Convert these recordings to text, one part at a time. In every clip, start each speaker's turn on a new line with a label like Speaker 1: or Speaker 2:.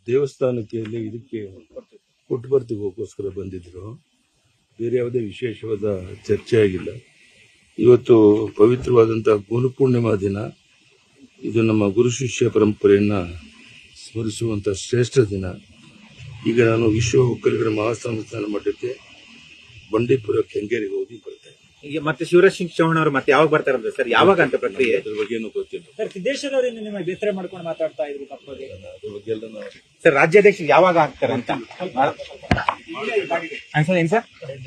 Speaker 1: ದೇವಸ್ಥಾನಕ್ಕೆ ಇದಕ್ಕೆ ಪುಟ್ಟಪರ್ತಿಗೋಸ್ಕರ ಬಂದಿದ್ರು. ಬೇರೆ ಯಾವುದೇ ವಿಶೇಷವಾದ ಚರ್ಚೆ ಆಗಿಲ್ಲ. ಇವತ್ತು ಪವಿತ್ರವಾದಂತಹ ಗುರುಪೂರ್ಣಿಮಾ ದಿನ. ಇದು ನಮ್ಮ ಗುರು ಶಿಷ್ಯ ಪರಂಪರೆಯನ್ನ ಸ್ಮರಿಸುವಂತಹ ಶ್ರೇಷ್ಠ ದಿನ. ಈಗ ನಾನು ವಿಶ್ವ ಒಕ್ಕಲಿಗರ ಮಹಾಸಂಸ್ಥಾನ ಮಠಕ್ಕೆ ಬಂಡೀಪುರ ಕೆಂಗೇರಿಗೆ ಹೋಗಿ ಬರ್ತೇನೆ.
Speaker 2: ಈಗ ಮತ್ತೆ ಶಿವರಾಜ್ ಸಿಂಗ್ ಚೌಹಾಣ್ ಅವರು ಮತ್ತೆ ಯಾವಾಗ ಬರ್ತಾರಂತ ಸರ್? ಯಾವಾಗ ಅಂತ ಪ್ರಕ್ರಿಯೆ?
Speaker 1: ಅದ್ರ ಬಗ್ಗೆ ಏನು ಗೊತ್ತಿಲ್ಲ
Speaker 3: ಸರ್. ಸಿದ್ದೇಶ್ವರ ಅವರಿಂದ ನಿಮ್ಮ ಬೇಸರ ಮಾಡ್ಕೊಂಡು ಮಾತಾಡ್ತಾ ಇದ್ರು ತಪ್ಪದೆ.
Speaker 1: ಅದ್ರ ಬಗ್ಗೆ ಎಲ್ಲ ನಾವು
Speaker 2: ಸರ್ ರಾಜ್ಯಾಧ್ಯಕ್ಷ ಯಾವಾಗ ಆಗ್ತಾರೆ ಅಂತ ಏನ್ ಸರ್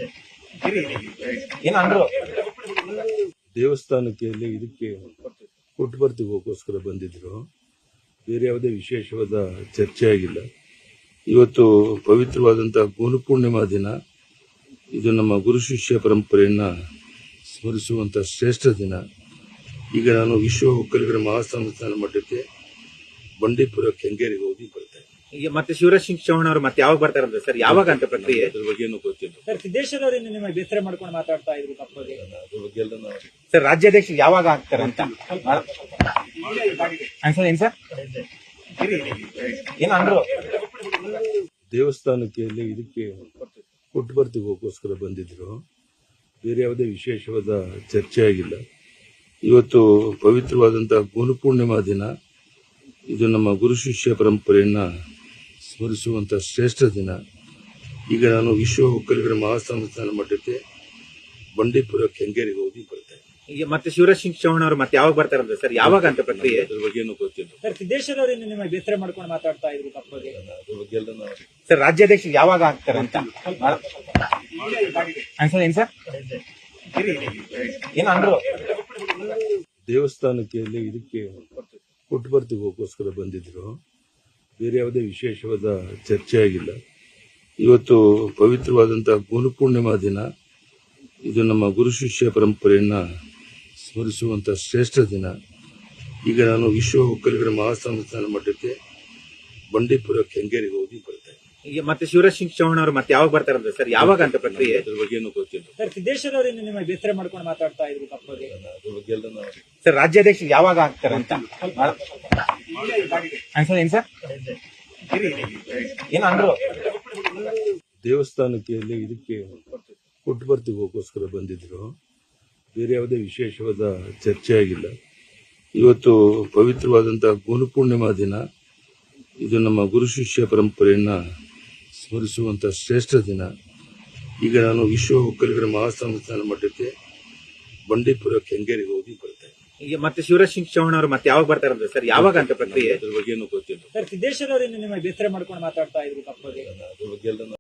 Speaker 2: ಏನು ಅಂದ್ರು?
Speaker 1: ದೇವಸ್ಥಾನಕ್ಕೆ ಇದಕ್ಕೆ ಪುಟ್ಟಪರ್ತಿಗೋಸ್ಕರ ಬಂದಿದ್ರು. ಬೇರೆ ಯಾವುದೇ ವಿಶೇಷವಾದ ಚರ್ಚೆ ಆಗಿಲ್ಲ. ಇವತ್ತು ಪವಿತ್ರವಾದಂತಹ ಗುರುಪೂರ್ಣಿಮಾ ದಿನ. ಇದು ನಮ್ಮ ಗುರು ಶಿಷ್ಯ ಪರಂಪರೆಯನ್ನ ಸ್ಮರಿಸುವಂತಹ ಶ್ರೇಷ್ಠ ದಿನ. ಈಗ ನಾನು ವಿಶ್ವ ಒಕ್ಕಲಿಗರ ಮಹಾಸಂಸ್ಥಾನ ಮಠಕ್ಕೆ ಬಂಡೀಪುರ ಕೆಂಗೇರಿಗೆ ಹೋಗಿ ಬರ್ತೇನೆ.
Speaker 2: ಈಗ ಮತ್ತೆ ಶಿವರಾಜ್ ಸಿಂಗ್ ಚೌಹಾಣ್ ಅವರು ಮತ್ತೆ ಯಾವಾಗ ಬರ್ತಾರಂತ ಸರ್? ಯಾವಾಗ ಅಂತ ಪ್ರಕ್ರಿಯೆ?
Speaker 1: ಅದ್ರ ಬಗ್ಗೆ ಏನು ಗೊತ್ತಿಲ್ಲ
Speaker 3: ಸರ್. ಸಿದ್ದೇಶ್ವರ ಅವರಿಂದ ನಿಮ್ಮ ಬೇಸರ ಮಾಡ್ಕೊಂಡು ಮಾತಾಡ್ತಾ ಇದ್ರು ತಪ್ಪದೆ.
Speaker 1: ಅದ್ರ ಬಗ್ಗೆ ಎಲ್ಲ ನಾವು
Speaker 2: ಸರ್ ರಾಜ್ಯಾಧ್ಯಕ್ಷ ಯಾವಾಗ ಆಗ್ತಾರೆ ಅಂತ ಏನ್ ಸರ್ ಏನು ಅಂದ್ರು?
Speaker 1: ದೇವಸ್ಥಾನಕ್ಕೆ ಇದಕ್ಕೆ ಪುಟ್ಟಪರ್ತಿಗೋಸ್ಕರ ಬಂದಿದ್ರು. ಬೇರೆ ಯಾವುದೇ ವಿಶೇಷವಾದ ಚರ್ಚೆ ಆಗಿಲ್ಲ. ಇವತ್ತು ಪವಿತ್ರವಾದಂತಹ ಗುರುಪೂರ್ಣಿಮಾ ದಿನ. ಇದು ನಮ್ಮ ಗುರು ಶಿಷ್ಯ ಪರಂಪರೆಯನ್ನ ಸ್ಮರಿಸುವಂತಹ ಶ್ರೇಷ್ಠ ದಿನ. ಈಗ ನಾನು ವಿಶ್ವ ಒಕ್ಕಲಿಗರ ಮಹಾಸಂಸ್ಥಾನ ಮಠಕ್ಕೆ ಬಂಡೀಪುರ ಕೆಂಗೇರಿಗೆ ಹೋಗಿ ಬರ್ತೇನೆ.
Speaker 2: ಈಗ ಮತ್ತೆ ಶಿವರಾಜ್ ಸಿಂಗ್ ಚೌಹಾಣ್ ಅವರು ಮತ್ತೆ ಯಾವಾಗ ಬರ್ತಾರಂತ ಸರ್? ಯಾವಾಗ ಅಂತ ಪ್ರಕ್ರಿಯೆ?
Speaker 1: ಅದ್ರ ಬಗ್ಗೆ ಏನು ಗೊತ್ತಿಲ್ಲ
Speaker 3: ಸರ್. ಸಿದ್ದೇಶ್ವರ ಅವರಿಂದ ನಿಮ್ಮ ಬೇಸರ ಮಾಡ್ಕೊಂಡು ಮಾತಾಡ್ತಾ ಇದ್ರು ತಪ್ಪದೆ.
Speaker 1: ಅದ್ರ ಬಗ್ಗೆ ಎಲ್ಲ ನಾವು
Speaker 2: ಸರ್ ರಾಜ್ಯಾಧ್ಯಕ್ಷ ಯಾವಾಗ ಆಗ್ತಾರೆ ಅಂತ ಏನ್ ಸರ್ ಏನು ಅಂದ್ರು?
Speaker 1: ದೇವಸ್ಥಾನಕ್ಕೆ ಇದಕ್ಕೆ ಪುಟ್ಟಪರ್ತಿಗೋಸ್ಕರ ಬಂದಿದ್ರು. ಬೇರೆ ಯಾವುದೇ ವಿಶೇಷವಾದ ಚರ್ಚೆ ಆಗಿಲ್ಲ. ಇವತ್ತು ಪವಿತ್ರವಾದಂತಹ ಗುರುಪೂರ್ಣಿಮಾ ದಿನ. ಇದು ನಮ್ಮ ಗುರು ಶಿಷ್ಯ ಪರಂಪರೆಯನ್ನ ಸ್ಮರಿಸುವಂತಹ ಶ್ರೇಷ್ಠ ದಿನ. ಈಗ ನಾನು ವಿಶ್ವ ಒಕ್ಕಲಿಗರ ಮಹಾಸಂಸ್ಥಾನ ಮಠಕ್ಕೆ ಬಂಡೀಪುರ ಕೆಂಗೇರಿಗೆ ಹೋಗಿ ಬರ್ತೇನೆ.
Speaker 2: ಈಗ ಮತ್ತೆ ಶಿವರಾಜ್ ಸಿಂಗ್ ಚೌಹಾಣ್ ಅವರು ಮತ್ತೆ ಯಾವಾಗ ಬರ್ತಾರಂತ ಸರ್? ಯಾವಾಗ ಅಂತ ಪ್ರಕ್ರಿಯೆ?
Speaker 1: ಅದ್ರ ಬಗ್ಗೆ ಏನು ಗೊತ್ತಿಲ್ಲ
Speaker 3: ಸರ್. ಸಿದ್ದೇಶ್ವರ ಅವರಿಂದ ನಿಮ್ಮ ಬೇಸರ ಮಾಡ್ಕೊಂಡು ಮಾತಾಡ್ತಾ ಇದ್ರು ತಪ್ಪದೆ.
Speaker 1: ಅದ್ರ ಬಗ್ಗೆ ಎಲ್ಲ ನಾವು
Speaker 2: ಸರ್ ರಾಜ್ಯಾಧ್ಯಕ್ಷ ಯಾವಾಗ ಆಗ್ತಾರೆ ಅಂತ ಏನ್ ಸರ್ ಏನು ಅಂದ್ರು?
Speaker 1: ದೇವಸ್ಥಾನಕ್ಕೆ ಇದಕ್ಕೆ ಪುಟ್ಟಪರ್ತಿಗೋಸ್ಕರ ಬಂದಿದ್ರು. ಬೇರೆ ಯಾವುದೇ ವಿಶೇಷವಾದ ಚರ್ಚೆ ಆಗಿಲ್ಲ. ಇವತ್ತು ಪವಿತ್ರವಾದಂತಹ ಗುರುಪೂರ್ಣಿಮಾ ದಿನ. ಇದು ನಮ್ಮ ಗುರು ಶಿಷ್ಯ ಪರಂಪರೆಯನ್ನ ಸ್ಮರಿಸುವಂತಹ ಶ್ರೇಷ್ಠ ದಿನ. ಈಗ ನಾನು ವಿಶ್ವ ಒಕ್ಕಲಿಗರ ಮಹಾಸಂಸ್ಥಾನ ಮಠಕ್ಕೆ ಬಂಡೀಪುರ ಕೆಂಗೇರಿಗೆ ಹೋಗಿ ಬರ್ತೇನೆ.
Speaker 2: ಈಗ ಮತ್ತೆ ಶಿವರಾಜ್ ಸಿಂಗ್ ಚೌಹಾಣ್ ಅವರು ಮತ್ತೆ ಯಾವಾಗ ಬರ್ತಾರಂತ ಸರ್? ಯಾವಾಗ ಅಂತ ಪ್ರಕ್ರಿಯೆ?
Speaker 1: ಅದ್ರ ಬಗ್ಗೆ ಏನು ಗೊತ್ತಿಲ್ಲ
Speaker 3: ಸರ್. ಸಿದ್ದೇಶ್ವರ ಅವರಿಂದ ನಿಮ್ಮ ಬೇಸರ ಮಾಡ್ಕೊಂಡು ಮಾತಾಡ್ತಾ ಇದ್ರು ತಪ್ಪದೆ.
Speaker 1: ಅದ್ರ ಬಗ್ಗೆ ಎಲ್ಲ